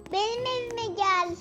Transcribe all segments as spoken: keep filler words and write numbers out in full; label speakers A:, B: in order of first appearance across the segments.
A: Benim evime gel.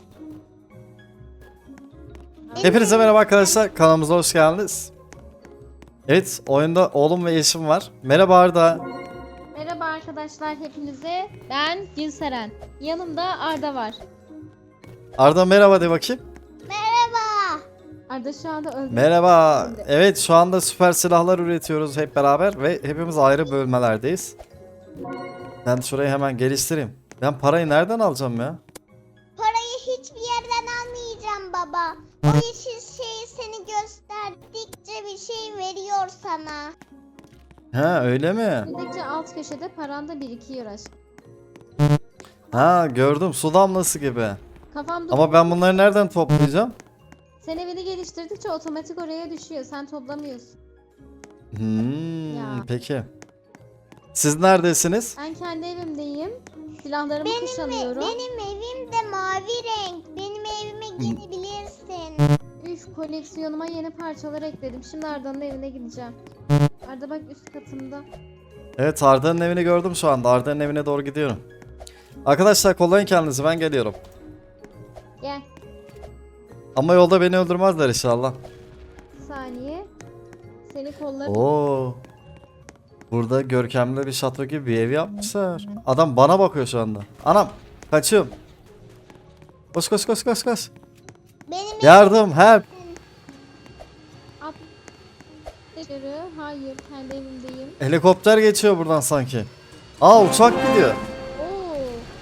B: Hepinize merhaba arkadaşlar, kanalımıza hoş geldiniz. Evet, oyunda oğlum ve eşim var. Merhaba Arda.
C: Merhaba arkadaşlar hepinize. Ben Gülseren. Yanımda Arda var.
B: Arda merhaba de bakayım.
A: Merhaba.
C: Arda şu anda öldü.
B: Merhaba. Evet, şu anda süper silahlar üretiyoruz hep beraber ve hepimiz ayrı bölmelerdeyiz. Ben şurayı hemen geliştireyim. Ben parayı nereden alacağım ya?
A: Parayı hiçbir yerden almayacağım baba. O yeşil şey seni gösterdikçe bir şey veriyor sana.
B: Ha, öyle mi?
C: Gidikçe alt köşede paranda birikiyor aşk.
B: Ha, gördüm, su damlası gibi.
C: Kafamda
B: Ama ben bunları nereden toplayacağım?
C: sen evini geliştirdikçe otomatik oraya düşüyor. Sen toplamıyorsun.
B: Hmm,
C: Ya.
B: peki. Siz neredesiniz?
C: Ben kendi evimdeyim. Silahlarımı
A: Benim,
C: kuşanıyorum.
A: benim evim de mavi renk. Benim evime gelebilirsin.
C: Üf, koleksiyonuma yeni parçalar ekledim. Şimdi Arda'nın evine gideceğim. Arda bak üst katımda.
B: Evet, Arda'nın evini gördüm şu anda. Arda'nın evine doğru gidiyorum. Arkadaşlar kollayın kendinizi, ben geliyorum.
C: Gel.
B: Ama yolda beni öldürmezler inşallah.
C: Bir saniye. Seni kollarım.
B: Oo. Burada görkemli bir şato gibi bir ev yapmışlar. Adam bana bakıyor şu anda. Anam, kaçıyorum. Koş koş koş koş koş.
A: Benim
B: Yardım, help.
C: At. Dışarı. Hayır, kendi evimdeyim.
B: Helikopter geçiyor buradan sanki. Aa, uçak gidiyor.
C: Oo.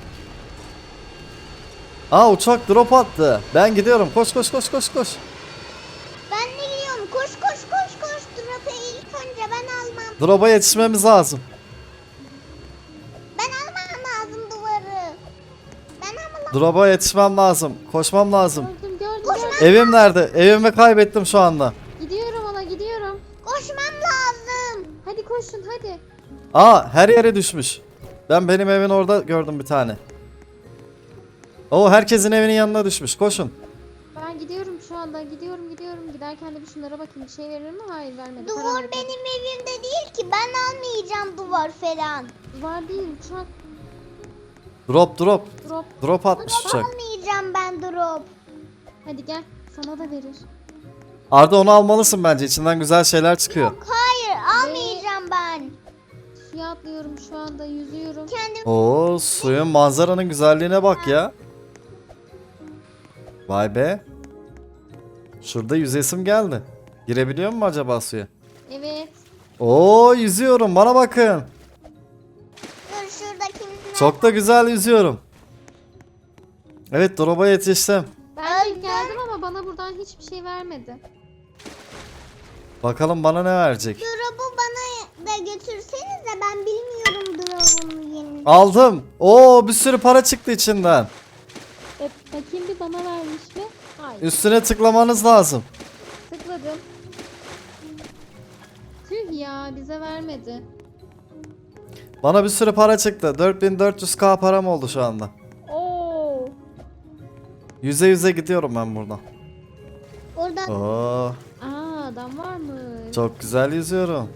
B: Aa, uçak drop attı. Ben gidiyorum. Koş koş koş koş koş.
A: ben de gidiyorum. Koş koş koş koş. Drop'u ilk önce ben almam.
B: Drop'a yetişmemiz lazım.
A: Ben almam lazım duvarı. Ben almam.
B: Drop'a yetişmem lazım. Koşmam lazım.
C: Gördüm, gördüm,
A: Koş
C: gördüm.
B: Evim nerede? Evimi kaybettim şu anda.
C: Gidiyorum ona, gidiyorum.
A: Koşmam lazım.
C: Hadi koşun, hadi.
B: Aa, her yere düşmüş. Ben benim evin orada gördüm bir tane. O herkesin evinin yanına düşmüş. Koşun.
C: Ben gidiyorum şu anda, gidiyorum, gidiyorum. Giderken de bir şunlara bakayım. Bir şey verir mi? Hayır, vermedi. Para
A: Duvar
C: verdi.
A: benim evimde değil ki. Ben almayacağım duvar falan.
C: Duvar değil, uçak.
B: Drop drop.
C: Drop.
B: Drop atmış uçak.
A: Almayacağım ben drop.
C: Hadi gel. Sana da verir.
B: Arda, onu almalısın bence. İçinden güzel şeyler çıkıyor.
A: Hayır almayacağım ben.
C: Suya atlıyorum şu anda, yüzüyorum.
A: Kendim
B: Oo, suyun manzaranın güzelliğine bak ya. Vay be. Şurada yüzesim geldi. Girebiliyor mu acaba suya?
C: Evet.
B: Oo, yüzüyorum. Bana bakın.
A: dur şuradakini.
B: Çok da güzel yüzüyorum. Evet, drop'a yetiştim.
C: Ben de
A: Öldüm.
C: geldim ama bana buradan hiçbir şey vermedi.
B: Bakalım bana ne verecek.
A: Drop'u bana da götürsenize ben bilmiyorum drop'un yerini.
B: Aldım. Oo, bir sürü para çıktı içinden.
C: E, bakayım bir bana vermiş mi? Hayır.
B: Üstüne tıklamanız lazım.
C: Tıkladım. Tüh ya, bize vermedi.
B: Bana bir sürü para çıktı. dört bin dört yüz K param oldu şu anda.
C: Oo.
B: Yüze yüze gidiyorum ben buradan.
A: Orada
B: Oo,
C: Aa, adam var mı?
B: çok güzel yüzüyorum.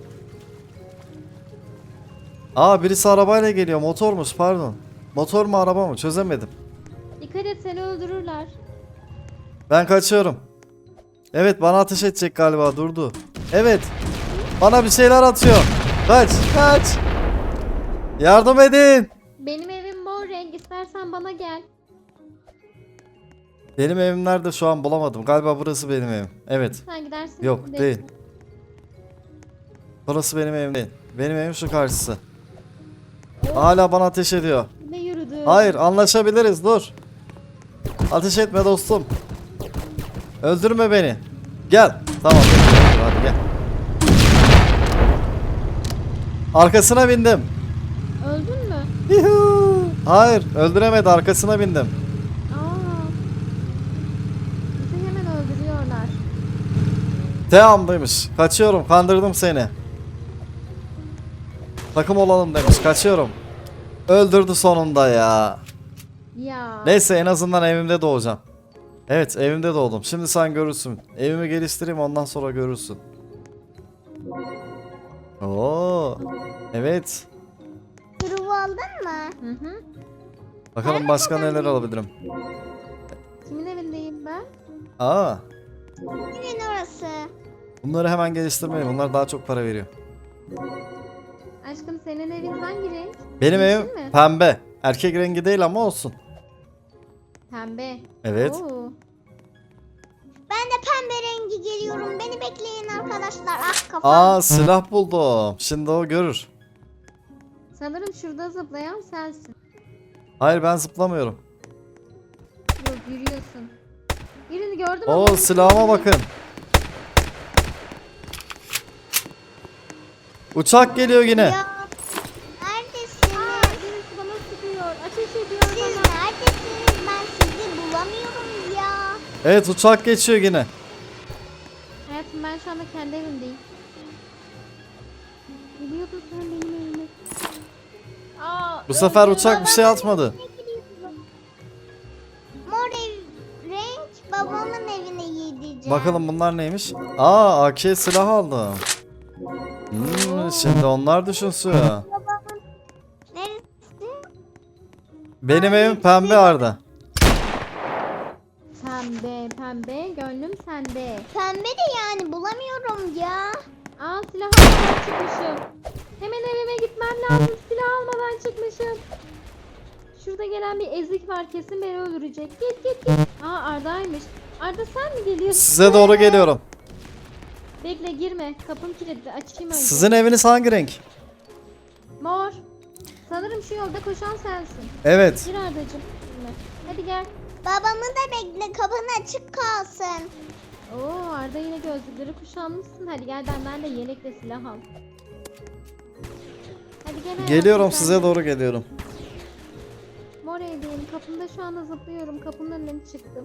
B: Aa, birisi arabayla geliyor. Motormuş, pardon. Motor mu araba mı? Çözemedim.
C: Dikkat et, seni öldürürler.
B: Ben kaçıyorum. Evet, bana ateş edecek galiba, durdu. Evet. Bana bir şeyler atıyor. Kaç kaç. Yardım edin.
C: Benim evim mor renk, istersen bana gel.
B: Benim evim nerede şu an bulamadım. Galiba burası benim evim. Evet.
C: Sen gidersin.
B: Yok,
C: de-
B: değil. Burası benim evim değil. Benim evim şu karşısı. Hala bana ateş ediyor.
C: Ne yürüdü?
B: Hayır, anlaşabiliriz, dur. Ateş etme dostum. Öldürme beni. Gel. Tamam. Hadi gel. Arkasına bindim.
C: Öldün mü?
B: Yuhuu. Hayır, öldüremedi, arkasına bindim.
C: Aa. Bizi hemen öldürüyorlar.
B: Devamlıymış. Kaçıyorum, kandırdım seni. Takım olalım demiş, kaçıyorum. Öldürdü sonunda ya.
C: Ya.
B: Neyse, en azından evimde doğacağım. Evet, evimde doğdum. Şimdi sen görürsün. Evimi geliştireyim, ondan sonra görürsün. Oo. Evet.
A: drop'u aldın mı?
C: Hı hı.
B: Bakalım başka neler alabilirim.
C: Kimin evindeyim ben?
B: Aa,
A: Kimin orası?
B: bunları hemen geliştirmeyin. Bunlar daha çok para veriyor.
C: Aşkım senin evin hangi renk?
B: Benim
C: Yeşil
B: evim
C: mi?
B: pembe. Erkek rengi değil ama olsun.
C: Pembe.
B: Evet.
C: Oo.
A: Ben de pembe rengi geliyorum. Beni bekleyin arkadaşlar. Ah kafam.
B: Aa, silah buldum. Şimdi o görür.
C: Sanırım şurada zıplayan sensin.
B: Hayır, ben zıplamıyorum.
C: Yok yürüyorsun. Birini gördüm
B: Oo,
C: ama-
B: silahıma bakın. Uçak geliyor yine.
A: Ya, neredesiniz?
C: Aa, birisi bana sıkıyor. Ateş ediyor
A: Siz
C: bana.
A: neredesiniz? Ben sizi bulamıyorum ya.
B: Evet, uçak geçiyor yine.
C: Hayatım ben şu anda kendi evimdeyim. Biliyordun sen benim evime. Aa,
B: Bu sefer
C: öldüm.
B: uçak bir şey atmadı.
A: Mor ev, renk babamın evine gideceğim.
B: Bakalım bunlar neymiş? Aa, A K silah aldım. Hmm, şimdi onlar düşünsün.
A: Babamın neresi?
B: Benim evim pembe Arda.
C: Pembe pembe gönlüm sende.
A: Pembe de yani bulamıyorum ya.
C: Aa silah almadan çıkmışım. Hemen evime gitmem lazım. Silah almadan çıkmışım. Şurada gelen bir ezik var, kesin beni öldürecek. Git git git. Aa Arda'ymış. Arda sen mi geliyorsun?
B: Size doğru geliyorum.
C: Bekle girme. Kapım kilitli. Açayım önce.
B: Sizin eviniz hangi renk?
C: Mor. Sanırım şu yolda koşan sensin.
B: Evet.
C: Gir Arda'cığım. Girme. Hadi gel.
A: Babamı da bekle kapın açık kalsın.
C: Oo Arda yine gözlükleri kuşanmışsın. Hadi gel benden de yelekle silah al. Hadi gel hayatım,
B: Geliyorum,
C: sen
B: size
C: de.
B: doğru geliyorum.
C: Mor evdeyim. Kapımda şu anda zıplıyorum. Kapının önüne çıktım.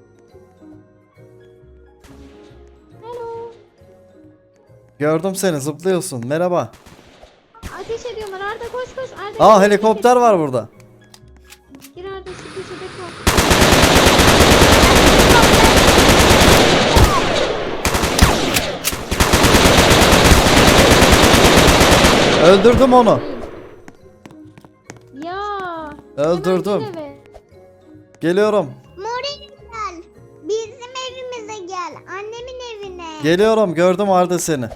C: Hello.
B: Gördüm seni, zıplıyorsun. Merhaba.
C: Ateş ediyorlar. Arda koş koş. Arda
B: Aa,
C: gir,
B: helikopter
C: gir.
B: var burada.
C: Gir Arda şu köşede kal.
B: Öldürdüm onu.
C: Ya.
B: Öldürdüm.
C: Hemen gir eve.
B: Geliyorum.
A: Mor ev gel. Bizim evimize gel. Annemin evine.
B: Geliyorum, gördüm Arda seni.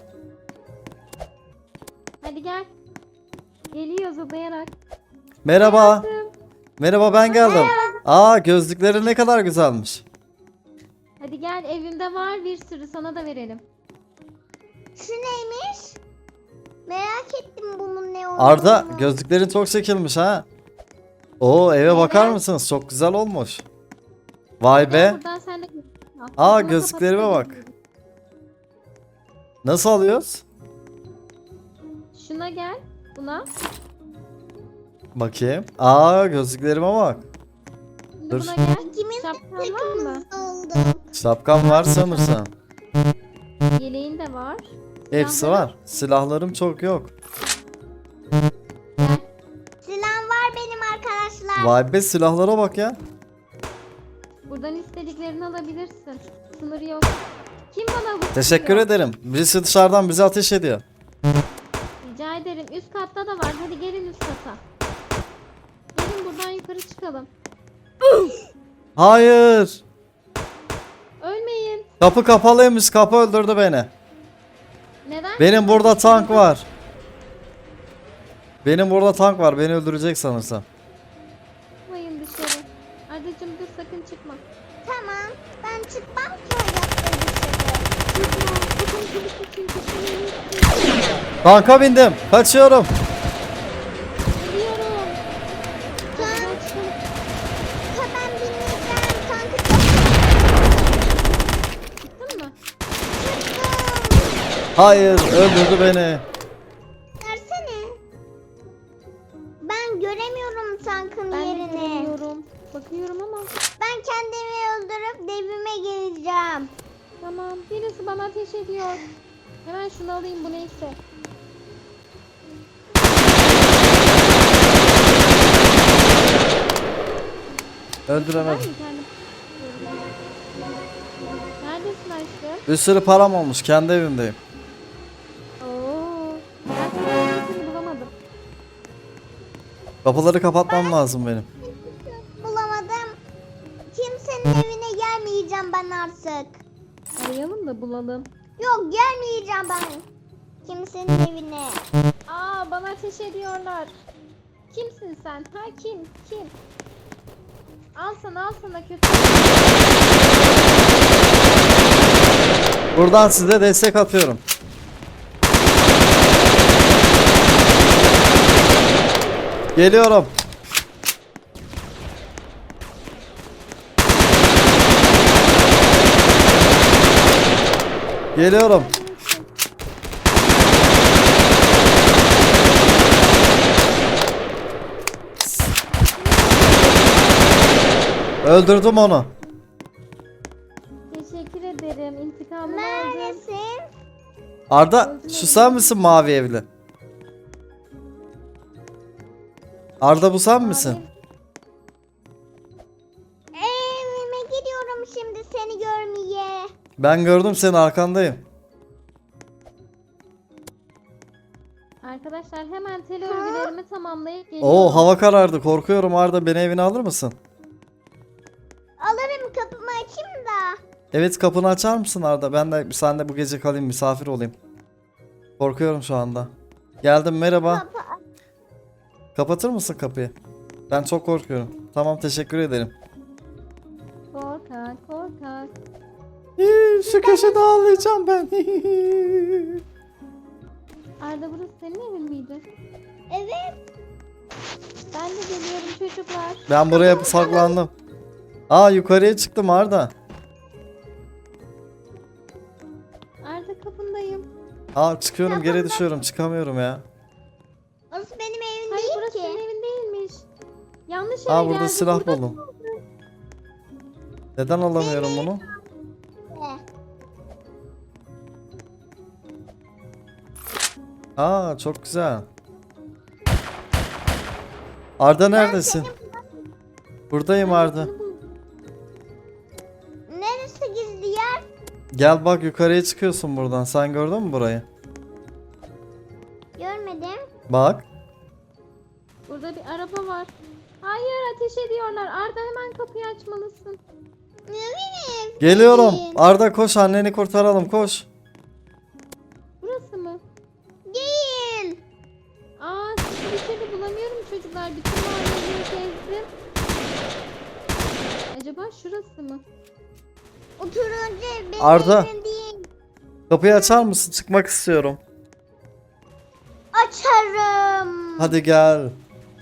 C: Hadi gel. Geliyor zıplayarak.
B: Merhaba.
C: Hayatım.
B: Merhaba, ben geldim. Aa, gözlükleri ne kadar güzelmiş.
C: Hadi gel, evimde var bir sürü, sana da verelim.
A: Şu neymiş? Merak ettim bunun ne olduğunu.
B: Arda, gözlüklerin çok çekilmiş ha. Oo, eve bakar
A: Evet.
B: mısınız? Çok güzel olmuş. Vay
C: Gel
B: be.
C: buradan sen de al.
B: Aa,
C: Kapını
B: gözlüklerime
C: kapatıp
B: bak. Nasıl alıyoruz?
C: Şuna gel. Buna.
B: Bakayım. Aa, gözlüklerime bak.
C: Şimdi
B: Dur.
C: buna gel.
A: İkimiz de
C: Şapkan var mı?
A: kırmızı oldu.
B: Şapkam var sanırsam.
C: Yeleğin de var.
B: Hepsi
C: Silahların-
B: var. Silahlarım çok yok.
C: Gel.
A: Silahım var benim arkadaşlar.
B: Vay be, silahlara bak ya.
C: Buradan istediklerini alabilirsin. Sınır yok. Kim bana bu
B: Teşekkür
C: sıkıyor?
B: ederim. Birisi dışarıdan bize ateş ediyor.
C: Rica ederim. Üst katta da var. Hadi gelin üst kata. Gelin buradan yukarı çıkalım.
B: Hayır.
C: Ölmeyin.
B: Kapı kapalıymış. Kapı öldürdü beni.
C: Neden?
B: Benim burada tank var. Benim burada tank var. Beni öldürecek sanırsam.
C: Çıkmayın dışarı. Ardacığım dur, sakın çıkma.
A: Tamam. Ben çıkmam ki hayatta dışarı.
C: Çıkma. Sakın kilitli çünkü seni
B: Tanka bindim. Kaçıyorum.
C: Geliyorum.
A: Tank.
C: Hadi çıkalım.
A: Ta ben bineceğim. Tankı
C: Çıktın mı?
A: çıktım.
B: Hayır, öldürdü beni.
A: Versene. Ben göremiyorum tankın
C: Ben de
A: yerini.
C: görüyorum. Bakıyorum ama.
A: Ben kendimi öldürüp devime geleceğim.
C: Tamam. Birisi bana ateş ediyor. Hemen şunu alayım, bu neyse. Ben
B: Öldüremedim.
C: mi kendim? Neredesin aşkım?
B: Bir sürü param olmuş. Kendi evimdeyim.
C: Oo. Ben seni bulamadım.
B: Kapıları kapatmam lazım benim.
A: gelmeyeceğim ben artık.
C: Arayalım da bulalım.
A: Yok gelmeyeceğim ben. Kimsenin evine.
C: Aa, bana ateş ediyorlar. Kimsin sen? Ha, kim? Kim? Al sana, al sana kötü.
B: Buradan size destek atıyorum. Geliyorum. Geliyorum. Öldürdüm onu.
C: Teşekkür ederim. İntikamını aldım.
A: Neredesin?
B: Arda, şu sen misin mavi evli? Arda, bu sen misin?
A: Evime gidiyorum şimdi seni görmeye.
B: Ben gördüm, senin arkandayım.
C: Arkadaşlar hemen tel örgülerimi tamamlayıp geliyorum.
B: Oo, hava karardı, korkuyorum. Arda, beni evine alır mısın?
A: Alırım kapımı açayım da.
B: Evet, kapını açar mısın Arda? Ben de sen de bu gece kalayım, misafir olayım. Korkuyorum şu anda. Geldim, merhaba.
A: Kapı
B: Kapatır mısın kapıyı? Ben çok korkuyorum. Tamam, teşekkür ederim.
C: Korkak, korkak.
B: Hii, şu köşede ağlayacağım ben.
C: Arda, burası senin evin miydi?
A: Evet.
C: Ben de geliyorum çocuklar.
B: Ben buraya saklandım. Aa, yukarıya çıktım Arda.
C: Arda, kapındayım.
B: Aa, çıkıyorum, geri düşüyorum, çıkamıyorum ya.
A: Orası benim evim
C: Hayır,
A: değil
C: burası
A: ki.
C: senin evin değilmiş. Yanlış yere
B: Aa, burada
C: geldik.
B: silah
C: Burada
B: buldum. Neden alamıyorum bunu? Aa, çok güzel. Arda, neredesin? Buradayım Arda.
A: Neresi gizli yer?
B: Gel bak, yukarıya çıkıyorsun buradan. Sen gördün mü burayı?
A: Görmedim.
B: Bak.
C: Burada bir araba var. Hayır, ateş ediyorlar. Arda, hemen kapıyı açmalısın.
A: Ne bileyim.
B: Geliyorum.
A: Değil.
B: Arda, koş, anneni kurtaralım, koş.
C: Burası mı?
A: Değil.
C: Aa, sizi bir türlü bulamıyorum çocuklar. Bütün mahalleyi gezdim. Acaba şurası mı?
A: O turuncu ev benim
B: Arda.
A: evim değil.
B: Kapıyı açar mısın? Çıkmak istiyorum.
A: Açarım.
B: Hadi gel.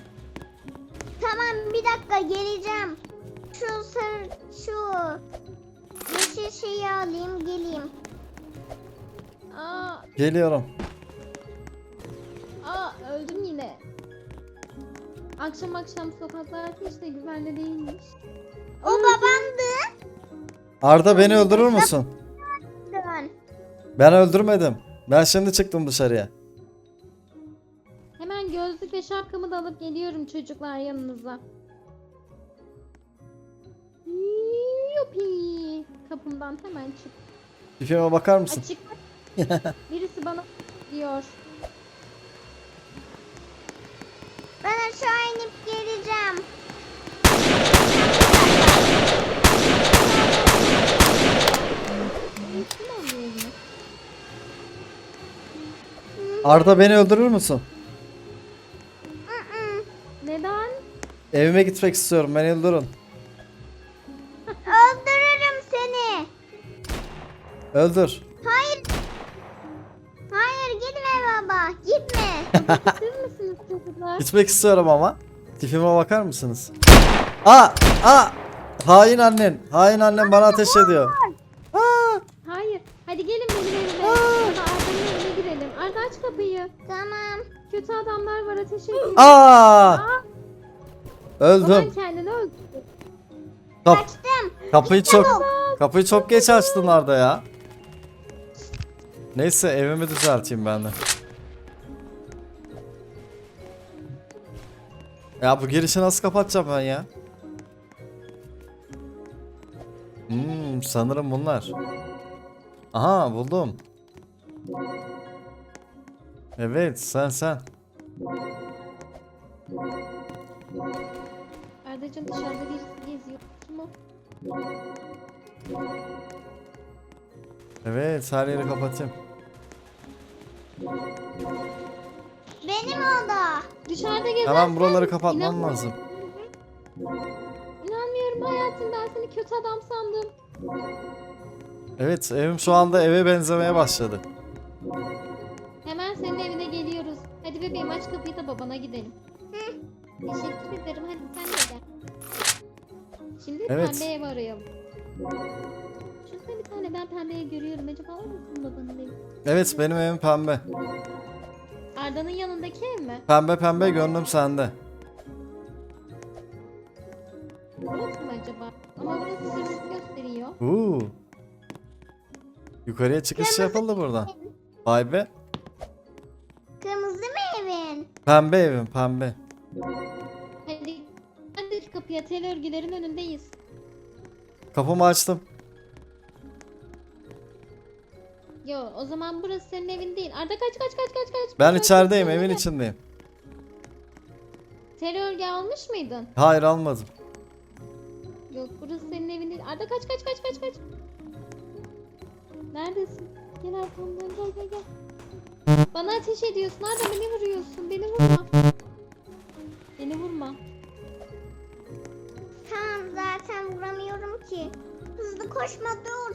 A: Tamam bir dakika geleceğim. Şu sarı şu yeşil şeyi alayım geleyim.
C: Aa,
B: Geliyorum.
C: aa, öldüm yine. Akşam akşam sokaklar hiç de güvenli değilmiş.
A: O babandı.
B: Arda, beni öldürür müsün?
A: Dön.
B: Ben öldürmedim. Ben şimdi çıktım dışarıya.
C: Hemen gözlük ve şapkamı da alıp geliyorum çocuklar yanınıza. Yupi. Kapımdan hemen çık.
B: Tipime bakar mısın?
C: Açık. Birisi bana diyor.
A: Ben aşağı inip geleceğim.
C: Birisi mi oluyor yine?
B: Arda, beni öldürür müsün?
A: Mm-mm.
C: Neden?
B: Evime gitmek istiyorum. Beni öldürün.
A: Öldürürüm seni.
B: Öldür.
A: Hayır. Hayır gitme baba. Gitme.
C: Siz misiniz çocuklar?
B: Gitmek istiyorum ama. Tipime bakar mısınız? Aa! Aa! Hain annen. Hain annen bana ateş ediyor. Aa!
C: Hayır. Hadi gelin benim evime. Burada Arda'nın evine girelim. Arda, aç kapıyı.
A: Tamam.
C: Kötü adamlar var, ateş ediyor.
B: Aa!
C: Aa, baban
B: Öldüm.
C: kendini öldürdü.
B: Kap
A: Kaçtım.
B: kapıyı çok kapıyı çok geç açtın Arda ya. Neyse, evimi düzelteyim ben de. Ya bu girişi nasıl kapatacağım ben ya? Hmm, sanırım bunlar. Aha, buldum. Evet, sen sen.
C: Arda'cığım, dışarıda birisi geziyor. Kim o?
B: Evet, her yeri kapatayım.
A: Benim o da.
C: Dışarıda gezerken
B: Hemen buraları kapatmam
C: inan-
B: lazım.
C: İnanmıyorum hayatım, ben seni kötü adam sandım.
B: Evet, evim şu anda eve benzemeye başladı.
C: Hemen senin evine geliyoruz. Hadi bebeğim, aç kapıyı da babana gidelim. Teşekkür ederim, hadi sen de gel. Şimdi
B: Evet.
C: pembe ev arayalım. Şurada bir tane ben pembeye görüyorum. Acaba var mısın babanın evi?
B: Evet, benim evim pembe.
C: Arda'nın yanındaki ev mi?
B: Pembe pembe gönlüm sende.
C: Burası mı acaba? Ama burası sırrı gösteriyor.
B: Uuu. Yukarıya çıkış yapıldı buradan. Vay be.
A: Kırmızı mı evin?
B: Pembe evim pembe.
C: Hadi hadi kapıya, tel örgülerin önündeyiz.
B: Kapımı açtım.
C: Yo, o zaman burası senin evin değil. Arda kaç kaç kaç kaç kaç.
B: Ben
C: Kaç,
B: içerideyim,
C: kaç,
B: evin
C: kaç.
B: içindeyim.
C: Tel örgü almış mıydın?
B: Hayır, almadım.
C: Yok, burası senin evin değil. Arda kaç kaç kaç kaç kaç. Neredesin? Gel arkamdan, gel gel gel. Bana ateş ediyorsun Arda, beni vuruyorsun. Beni vurma. Beni vurma.
A: Tamam, zaten vuramıyorum ki. Hızlı koşma, dur.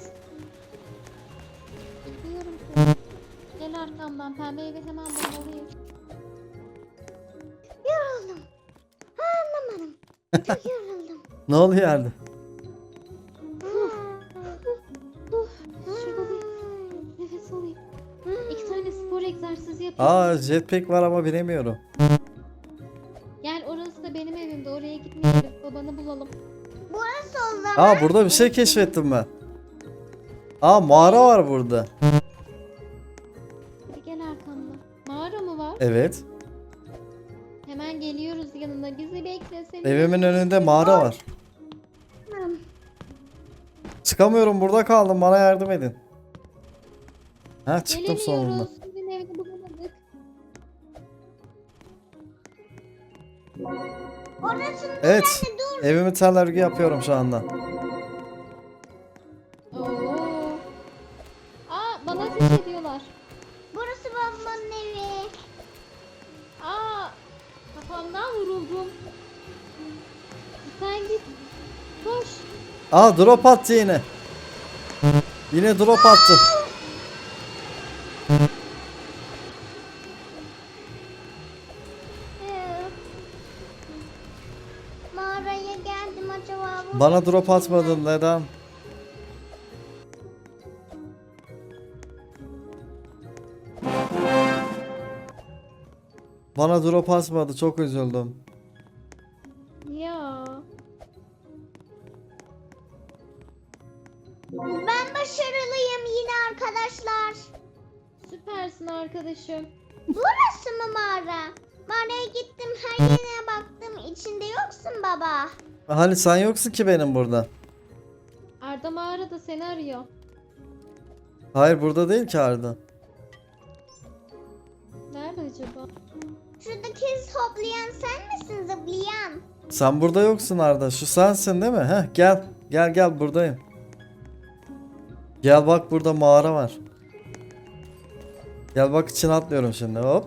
C: Biliyorum seni. Gel arkamdan, pembe evi hemen bulmalıyım.
A: Yoruldum. Ha, anlamadım. Çok yoruldum.
B: Ne oluyor yerde?
C: Uf, şurada bir nefes alayım. İki tane spor egzersizi yapayım.
B: Aa, jetpack var ama binemiyorum.
C: Gel, orası da benim evimde. Oraya gitmeyelim. Babanı bulalım.
A: Burası o zaman.
B: Aa, burada bir şey keşfettim ben. Aa, mağara var burada.
C: Hadi gel arkamda. Mağara mı var?
B: Evet.
C: Hemen geliyoruz yanına. Bizi bekle. Seni
B: Evimin önünde mağara var. Çıkamıyorum, burada kaldım, bana yardım edin. Ha, çıktım sonunda.
C: Gelemiyoruz. Sizin evini bulamadık.
A: Orası dur
B: Evet.
A: anne, dur.
B: Evimi tel örgü yapıyorum şu anda.
C: Oo. Aa, bana ateş ediyorlar.
A: Burası babamın evi.
C: Aa, kafamdan vuruldum. Sen git. Koş.
B: Aa, drop attı yine. Yine drop attı.
A: Ee, Mağaraya geldim, acaba bu
B: Bana drop atmadın, neden? Bana drop atmadı, çok üzüldüm.
C: Ya.
A: Ben başarılıyım yine arkadaşlar.
C: Süpersin arkadaşım.
A: Burası mı mağara? Mağaraya gittim, her yerine baktım, içinde yoksun baba.
B: Hani sen yoksun ki benim burada.
C: Arda mağarada seni arıyor.
B: Hayır, burada değil ki Arda.
C: Nerede acaba?
A: Şuradaki hoplayan sen misin, zıplayan?
B: Sen burada yoksun Arda. Şu sensin değil mi? Heh, gel. Gel gel, buradayım. Gel bak, burada mağara var. Gel bak, içine atlıyorum şimdi. Hop.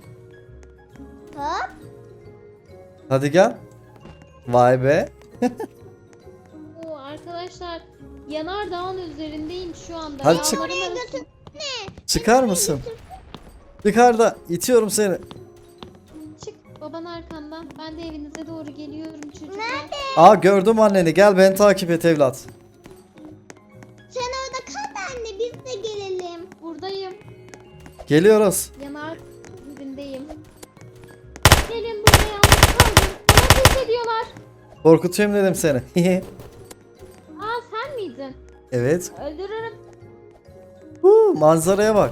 A: Hop.
B: Hadi gel. Vay be.
C: Oo, arkadaşlar, yanardağın üzerindeyim şu anda.
B: Hadi çık.
C: Yağmurun
A: Oraya
C: arası-
A: götür. Ne?
B: Çıkar mısın? Yukarıda itiyorum seni.
C: Çık, baban arkandan. Ben de evinize doğru geliyorum çocuklar.
A: Nerede?
B: Aa, gördüm anneni. Gel, beni takip et evlat.
A: Sen orada kal da anne, biz de gelelim.
C: Buradayım.
B: Geliyoruz.
C: Yanar üzerindeyim. Gelin buraya, yalnız kaldım. Bana ateş ediyorlar.
B: Korkutayım dedim seni.
C: Aa, sen miydin?
B: Evet.
C: Öldürürüm.
B: Huu, manzaraya bak.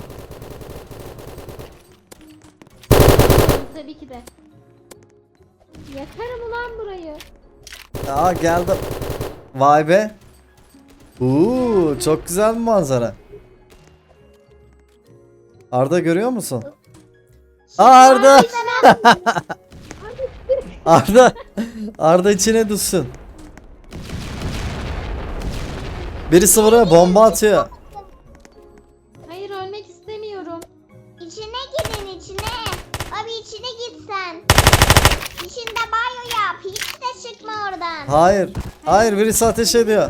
C: Tabii ki de. Yakarım ulan burayı.
B: Aa, geldim. Vay be. Uuu, çok güzel bir manzara. Arda, görüyor musun? Aa, Arda. Arda. Arda içine düşsün. Birisi buraya bomba atıyor.
C: Hayır ölmek istemiyorum.
A: İçine girin içine. Abi içine git sen. İçinde banyo yap. Hiç de çıkma oradan.
B: Hayır. Hayır, birisi ateş ediyor.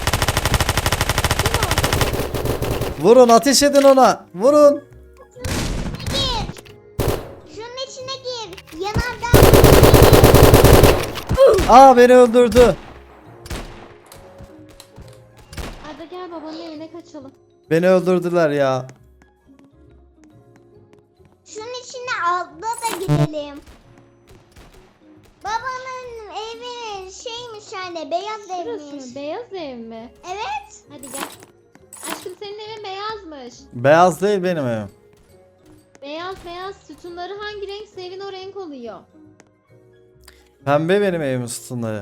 C: Kim
B: Vurun, ateş edin ona. Vurun.
A: Gir. Şunun içine gir. Yanardan gir.
B: Aa, beni öldürdü.
C: o? Arda gel babanın evine kaçalım.
B: Beni öldürdüler ya.
A: Şunun içine altta da gidelim. Babanın evi şeymiş hani beyaz
C: Şurası
A: evmiş.
C: mı? Beyaz ev mi?
A: Evet.
C: Hadi gel. Aşkım senin evin beyazmış.
B: Beyaz değil benim evim.
C: Beyaz beyaz sütunları hangi renkse evin o renk oluyor.
B: Pembe benim evimin sütunları.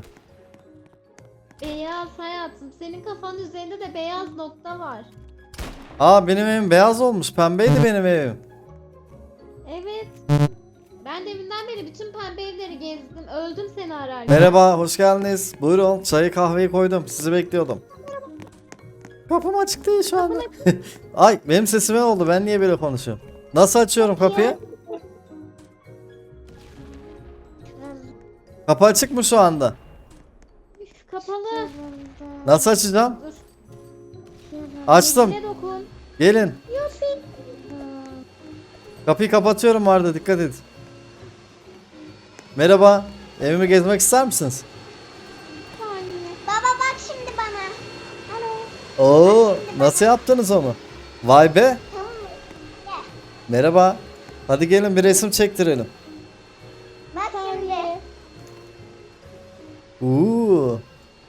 C: Beyaz hayatım. Senin kafanın üzerinde de beyaz nokta var.
B: Aa, benim evim beyaz olmuş. Pembeydi benim evim.
C: Evet. Ben deminden beri bütün pembe evleri gezdim. Öldüm seni ararken.
B: Merhaba, hoş geldiniz. Buyurun, çayı kahveyi koydum. Sizi bekliyordum. Kapım açık değil şu anda. Ay, benim sesime oldu. Ben niye böyle konuşuyorum? Nasıl açıyorum kapıyı? Kapı açık mı şu anda?
C: Üf, kapalı.
B: Nasıl açacağım?
C: Dur.
B: Açtım.
C: Ne dokun.
B: Gelin.
C: Yufi.
B: Kapıyı kapatıyorum Arda, dikkat et. Merhaba. Evimi gezmek ister misiniz?
A: Baba bak şimdi bana. Alo.
B: Oo, nasıl yaptınız onu? Vay be.
A: Tamam mı? Gel.
B: Merhaba. Hadi gelin bir resim çektirelim.
A: Bak şimdi.
B: Oo.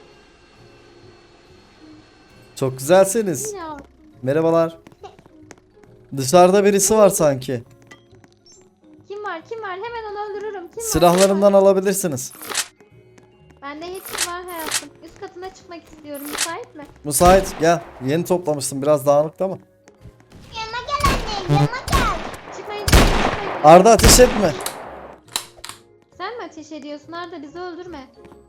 B: Çok güzelsiniz.
C: Ya.
B: Merhabalar. Dışarıda birisi var sanki.
C: Kim var kim var? Hemen onu öldürürüm. Kim var,
B: Silahlarımdan
C: kim var?
B: alabilirsiniz.
C: Bende hepsi var hayatım. Üst katına çıkmak istiyorum. Müsait mi?
B: Müsait, gel. Yeni toplamıştım, biraz dağınıktı ama.
A: Yanıma gel anne. Yanıma gel.
C: Çıkmayın çıkmayın çıkmayın.
B: Arda, ateş etme.
C: Sen mi ateş ediyorsun Arda? Bizi öldürme.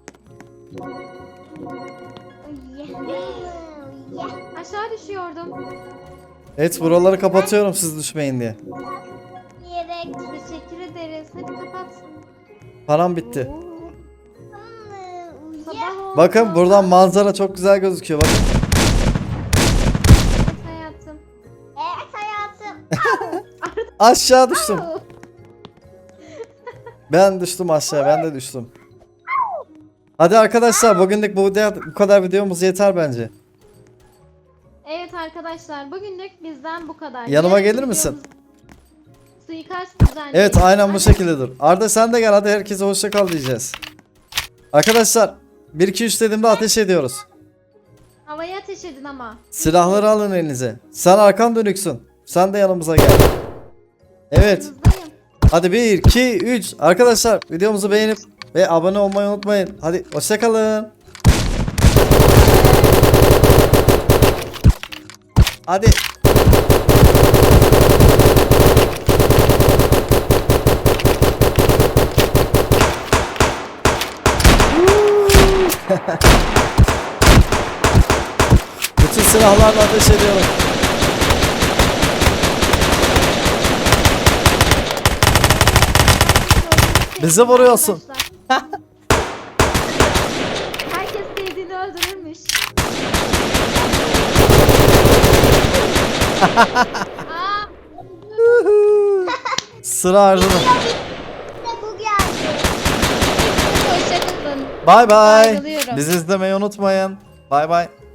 A: Yeah.
C: Aşağı düşüyordum.
B: Evet, buraları kapatıyorum siz düşmeyin diye.
A: Yiyerek.
C: Teşekkür ederiz. Hadi kapat.
B: Param bitti.
A: Tamam mı?
C: Sabah
A: Yeah.
C: oldu.
B: Bakın buradan manzara çok güzel gözüküyor. Bakın.
C: Evet hayatım.
A: Evet hayatım.
B: Aşağı düştüm.
C: Au.
B: Ben düştüm aşağı, ben de düştüm. Hadi arkadaşlar, bugünlük bu, bu kadar videomuz yeter bence.
C: Evet arkadaşlar bugünlük bizden bu kadar.
B: Yanıma
C: Yarın
B: gelir misin?
C: videomuz- Suikast düzenleyelim.
B: Evet, aynen bu
C: Hadi.
B: şekilde dur. Arda sen de gel, hadi herkese hoşça kal diyeceğiz. Arkadaşlar bir iki üç dediğimde ateş ediyoruz.
C: Havaya ateş edin ama.
B: Silahları alın elinize. Sen arkan dönüksün. Sen de yanımıza gel. Evet.
C: Yanınızdayım.
B: Hadi bir iki üç. Arkadaşlar videomuzu beğenip ve abone olmayı unutmayın. Hadi hoşça kalın. Hadi. Bütün silahlarla ateş ediyorum. Bizi vuruyorsun.
C: Arkadaşlar. Herkes sevdiğini öldürürmüş. Aa,
B: Sıra Arda'da.
A: İşte bu geldi.
C: hoşçakalın.
B: Bay bay.
C: Ayrılıyorum.
B: Bizi izlemeyi unutmayın. Bay bay.